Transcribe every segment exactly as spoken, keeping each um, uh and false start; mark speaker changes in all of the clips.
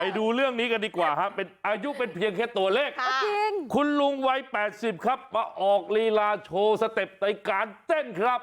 Speaker 1: ไปดูเรื่องนี้กันดีกว่าฮะเป็นอายุเป็นเพียงแค่ตัวเลข
Speaker 2: จริง
Speaker 1: คุณลุงวัยแปดสิบครับมาออกลีลาโชว์สเต็ปในการเต้นครับ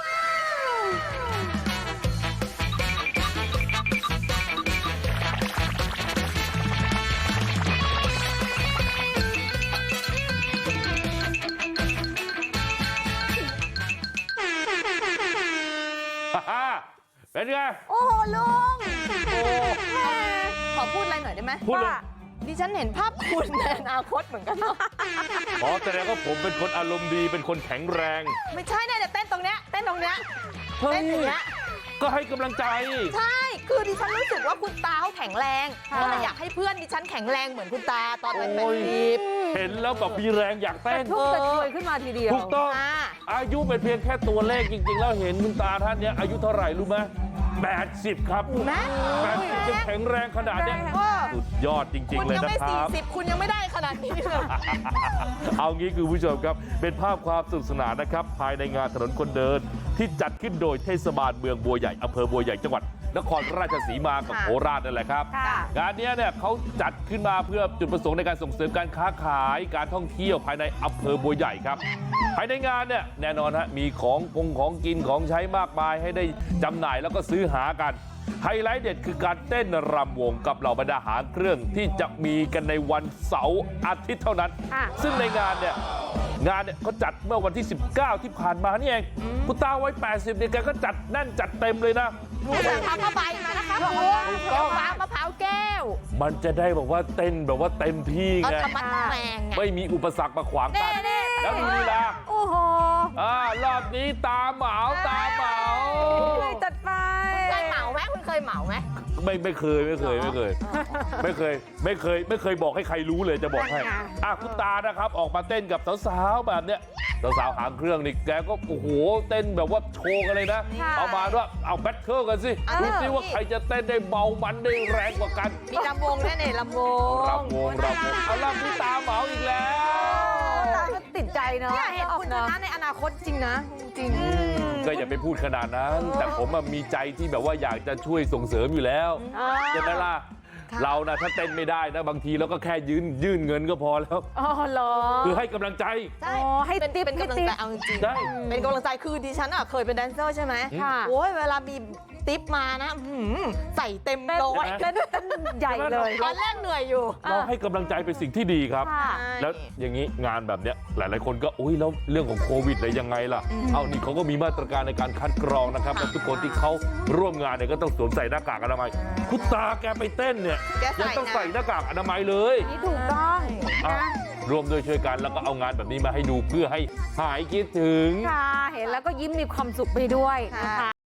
Speaker 1: เป็นไง
Speaker 2: โอ้โหลุง
Speaker 1: โอ้
Speaker 2: ขอพูดอะไรหน่อยได้ไหม
Speaker 1: พูดเลย
Speaker 2: ดิฉันเห็นภาพคุณในอนาคตเหมือนกันเนาะ
Speaker 1: อ๋อแสดงว่าผมเป็นคนอารมณ์ดีเป็นคนแข็งแรง
Speaker 2: ไม่ใช่เนี่ยเต้นตรงเนี้ยเต้นตรงเนี้ยเต้นอย่างเงี้ย
Speaker 1: ก็ให้กำลังใจ
Speaker 2: ใช่คือดิฉันรู้สึกว่าคุณตาเขาแข็งแรงก็เลยอยากให้เพื่อนดิฉันแข็งแรงเหมือนคุณตาตอนเป็นแบบนี้
Speaker 1: เห็นแล้วแบบมีแรงอยากเต้น
Speaker 3: ทุกกระชวยขึ้นมาทีเดียว
Speaker 1: ถูกต้องอายุเป็นเพียงแค่ตัวเลขจริงๆแล้วเห็นคุณตาท่านนี้อายุเท่าไหร่รู้ไหมแปดสิบครับแปดสิบยังแข็งแรงขนาดนี้สุดยอดจริงๆเลยนะครับคุณยังไม่สี่
Speaker 2: สิบคุณยังไม่ได้ขนาดนี้เลย
Speaker 1: เอางี้คือผู้ชมครับเป็นภาพความสนุกสนานนะครับภายในงานถนนคนเดินที่จัดขึ้นโดยเทศบาลเมืองบัวใหญ่อำเภอบัวใหญ่จังหวัดนครราชสีมากับโคราชนั่นแหละครับงานนี้เนี่ยเขาจัดขึ้นมาเพื่อจุดประสงค์ในการส่งเสริมการค้าขายการท่องเที่ยวภายในอำเภอบัวใหญ่ครับภายในงานเนี่ยแน่นอนฮะมีของกงของกินของใช้มากมายให้ได้จำหน่ายแล้วก็ซื้อหากันไฮไลท์เด็ดคือการเต้นรำวงกับเหล่าบรรดาหางเครื่องที่จะมีกันในวันเสาร์อาทิตย์เท่านั้นซึ่งในงานเนี่ยงานเนี่ยเขาจัดเมื่อวันที่สิบเก้าที่ผ่านมานี่เองคุณตาวัยแปดสิบเนี่ยแกก็จัดแน่นจัดเต็มเลยนะ
Speaker 2: หนูจะทำผ้าใบมานะคะหนูเอาฟ้ามะพร้าวแก้ว
Speaker 1: มันจะได้บอกว่าเต้นแบบว่าเต็มที่ไงไม่มีอุปสรรคมาขวางกันแล้วดูลีลา
Speaker 3: โอ้โห
Speaker 1: อ่ารอบนี้ตาเหมาตาเหมา
Speaker 3: จัดไป
Speaker 2: เคยเหมาไหมคุณเคยเหมาไหม
Speaker 1: ไม่ไม่เคยไม่เคยไม่เคยไม่เคยไม่เคยไม่เคยบอกให้ใครรู้เลยจะบอกให้อ่ะคุณตานะครับออกมาเต้นกับสาวๆแบบเนี้ยสาวๆหางเครื่องนี่แกก็โอ้โหเต้นแบบว่าโชว์กันเลยนะเอามาด้วยเอาแบทเทิลกันสิดูสิว่าใครจะเต้นได้เบามันได้แรงกว่ากัน
Speaker 2: มีลำวงแน่ๆลำวง
Speaker 1: ลำวงลำวงเอาลำที่ตาเหมาอีกแล้ว
Speaker 3: ตาก็ติดใจเนาะ
Speaker 2: เห็นคุณชนะในอนาคตจริงนะจริง
Speaker 1: ก็อย่าไปพูดขนาดนั้นแต่ผมมีใจที่แบบว่าอยากจะช่วยส่งเสริมอยู่แล้วใช่ไหมล่ะเรานะถ้าเต้นไม่ได้นะบางทีเราก็แค่ยืนยื่นเงินก็พอแล้ว
Speaker 3: อ๋อเหรอ
Speaker 1: คือให้กำลังใจ
Speaker 2: ใช่ให้ติ๊บเป็นกำลังใจเอาจริงเป็นกำลังใจคือดิฉันอ่ะเคยเป็นแดนเซอร์ใช่ไหมโอ้ยเวลามีติ๊บมานะใส่เต็มโลย
Speaker 3: เต้นใหญ่เลย
Speaker 2: ตอนแรกเหนื่อยอยู่
Speaker 1: เราให้กำลังใจเป็นสิ่งที่ดีครับแล้วอย่างนี้งานแบบเนี้ยหลายๆคนก็อุ้ยแล้วเรื่องของโควิดอะไรยังไงล่ะเอานี่เขาก็มีมาตรการในการคัดกรองนะครับและทุกคนที่เขาร่วมงานเนี่ยก็ต้องสวมใส่หน้ากากอนามัยคุณตาแกไปเต้นเนี่ยยังต้องใส่หน้ากากอนามัยเลย
Speaker 3: นี่ถูกต้อง
Speaker 1: ร่วมด้วยช่วยกันแล้วก็เอางานแบบนี้มาให้ดูเพื่อให้หายคิดถึง
Speaker 3: ค่ะเห็นแล้วก็ยิ้มมีความสุขไปด้วยนะคะ